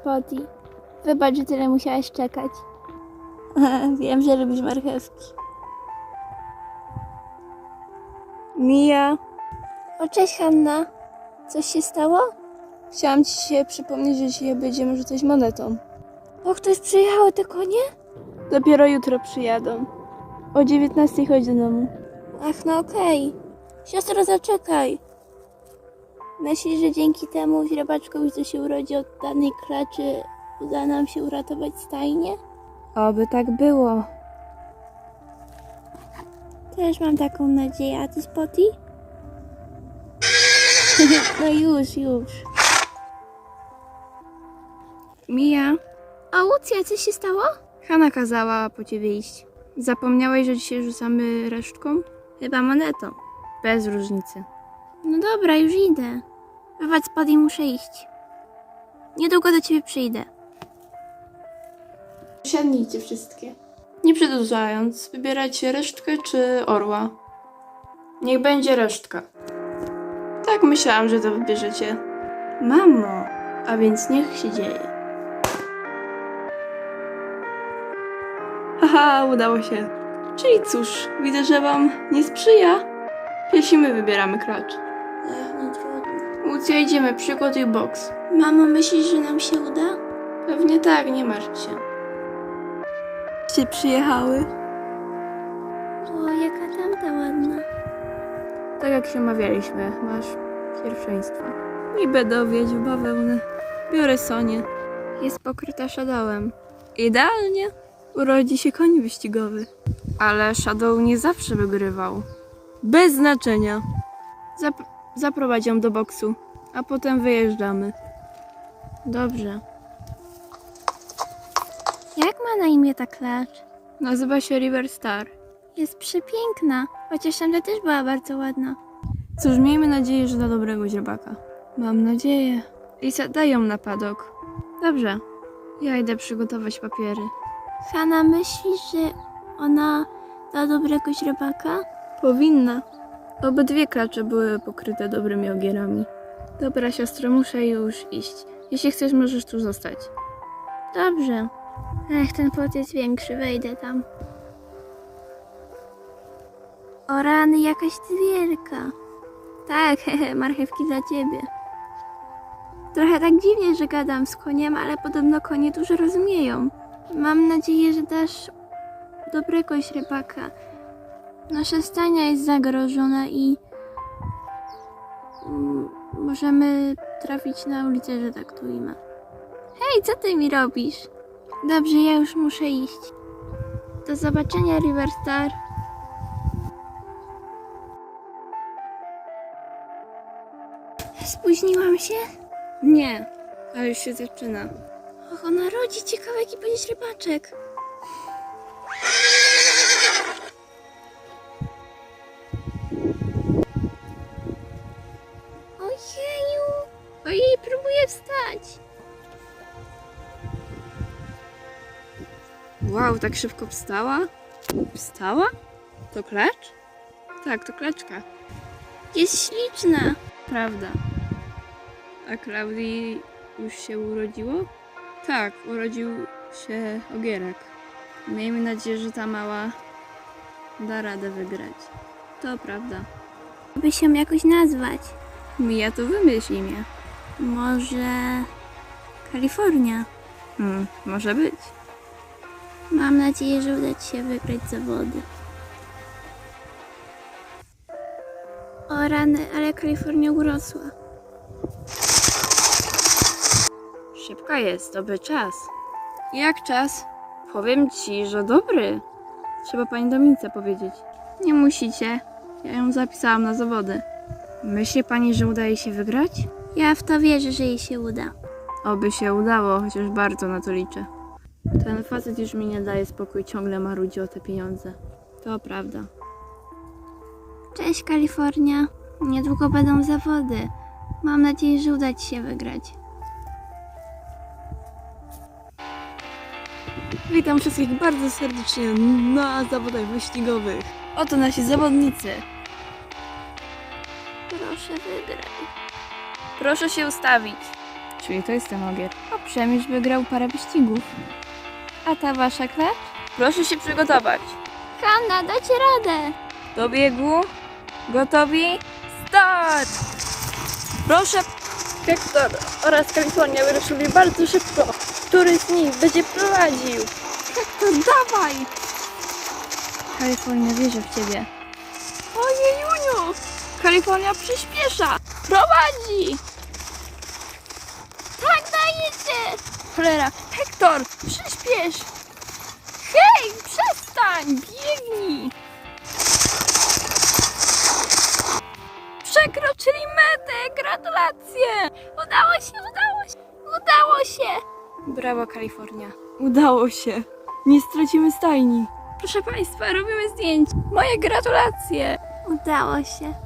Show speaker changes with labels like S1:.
S1: Spotty. Wybacz, że tyle musiałaś czekać. Wiem, że lubisz marchewki.
S2: Mija,
S1: O, cześć Hanna. Coś się stało?
S2: chciałam ci się przypomnieć, że dzisiaj będziemy rzucać monetą.
S1: O, ktoś przyjechały te konie?
S2: Dopiero jutro przyjadą. O 19 chodź do domu.
S1: Ach, no okej. Siostro, zaczekaj. Myślisz, że dzięki temu źrebaczkowi, co się urodzi od danej klaczy, uda nam się uratować stajnię?
S2: Oby tak było.
S1: Też mam taką nadzieję, a ty, Spotty? No już.
S2: Mija,
S1: O, Łucja, coś się stało?
S2: Hanna kazała po ciebie iść. Zapomniałeś, że dzisiaj rzucamy resztką?
S1: Chyba monetą.
S2: Bez różnicy.
S1: No dobra, już idę. Wybacz, Spotty, muszę iść. Niedługo do ciebie przyjdę.
S2: Siadnijcie wszystkie. Nie przedłużając, wybierajcie resztkę czy orła. Niech będzie resztka. Tak myślałam, że to wybierzecie. Mamo, a więc niech się dzieje. Haha, udało się. Czyli cóż, widzę, że wam nie sprzyja. Jeśli my wybieramy klacz.
S1: No trudno.
S2: Łucja, idziemy, przygotuj boks.
S1: Mamo, myślisz, że nam się uda?
S2: Pewnie tak, nie martw się. Przyjechały.
S1: O, jaka tamta ładna.
S2: Tak jak się umawialiśmy, masz pierwszeństwo. I będę wiedzieć w bawełnę. Biorę Sonię. Jest pokryta Shadowem. Idealnie. Urodzi się koń wyścigowy. Ale Shadow nie zawsze wygrywał. Bez znaczenia. Zaprowadź ją do boksu, a potem wyjeżdżamy.
S1: Dobrze. Jak ma na imię ta klacz?
S2: Nazywa się River Star.
S1: Jest przepiękna, chociaż tamta też była bardzo ładna.
S2: Cóż, miejmy nadzieję, że dla dobrego źrebaka. Mam nadzieję. Lisa, daj ją na padok. Dobrze. Ja idę przygotować papiery.
S1: Hanna, myślisz, że ona dla dobrego źrebaka?
S2: Powinna. Obydwie klacze były pokryte dobrymi ogierami. Dobra, siostro, muszę już iść. Jeśli chcesz, możesz tu zostać.
S1: Dobrze. Ech, ten płot jest większy, wejdę tam. O rany, jakaś ty wielka. Tak, marchewki dla ciebie. Trochę tak dziwnie, że gadam z koniem, ale podobno konie dużo rozumieją. Mam nadzieję, że dasz dobrego źrebaka. Nasza stajnia jest zagrożona i możemy trafić na ulicę, że tak tu ima. Hej, co ty mi robisz? Dobrze, ja już muszę iść. Do zobaczenia, River Star. Spóźniłam się?
S2: Nie, ale już się zaczyna.
S1: Och, ona rodzi. Ciekawe, jaki będzie źrebaczek. Ojeju! Ojej, próbuję wstać.
S2: Wow, tak szybko wstała? Wstała? To klacz? Tak, to klaczka.
S1: Jest śliczna.
S2: Prawda. A Klaudii już się urodziło? Tak, urodził się ogierek. Miejmy nadzieję, że ta mała da radę wygrać. To prawda.
S1: By się jakoś nazwać.
S2: Mija, to wymyśl imię.
S1: Może Kalifornia.
S2: Może być.
S1: Mam nadzieję, że uda ci się wygrać zawody. O rany, ale Kalifornia urosła.
S2: Szybka jest, dobry czas. Jak czas? Powiem ci, że dobry. Trzeba pani Dominice powiedzieć. Nie musicie. Ja ją zapisałam na zawody. Myśli pani, że uda jej się wygrać?
S1: Ja w to wierzę, że jej się uda.
S2: Oby się udało, chociaż bardzo na to liczę. Ten facet już mi nie daje spokój, ciągle marudzi o te pieniądze. To prawda.
S1: Cześć, Kalifornia. Niedługo będą zawody. Mam nadzieję, że uda ci się wygrać.
S2: Witam wszystkich bardzo serdecznie na zawodach wyścigowych. Oto nasi zawodnicy.
S1: Proszę, wygraj.
S2: Proszę się ustawić. Czyli to jest ten ogier. Owszem, już wygrał parę wyścigów. A ta wasza klacz? Proszę się przygotować.
S1: Hanna, dacie radę!
S2: Do biegu. Gotowi? Start! Proszę, Hektor oraz Kalifornia wyruszyli bardzo szybko. Który z nich będzie prowadził?
S1: To dawaj!
S2: Kalifornia wierzy w ciebie.
S1: Ojejuniu!
S2: Kalifornia przyspiesza! Prowadzi!
S1: Tak, dajecie!
S2: Cholera! Hektor! Przyspiesz! Hej! Przestań! Biegnij! Przekroczyli metę! Gratulacje!
S1: Udało się, udało się! Udało się!
S2: Brawo, Kalifornia. Udało się. Nie stracimy stajni. Proszę Państwa, robimy zdjęcie. Moje gratulacje.
S1: Udało się.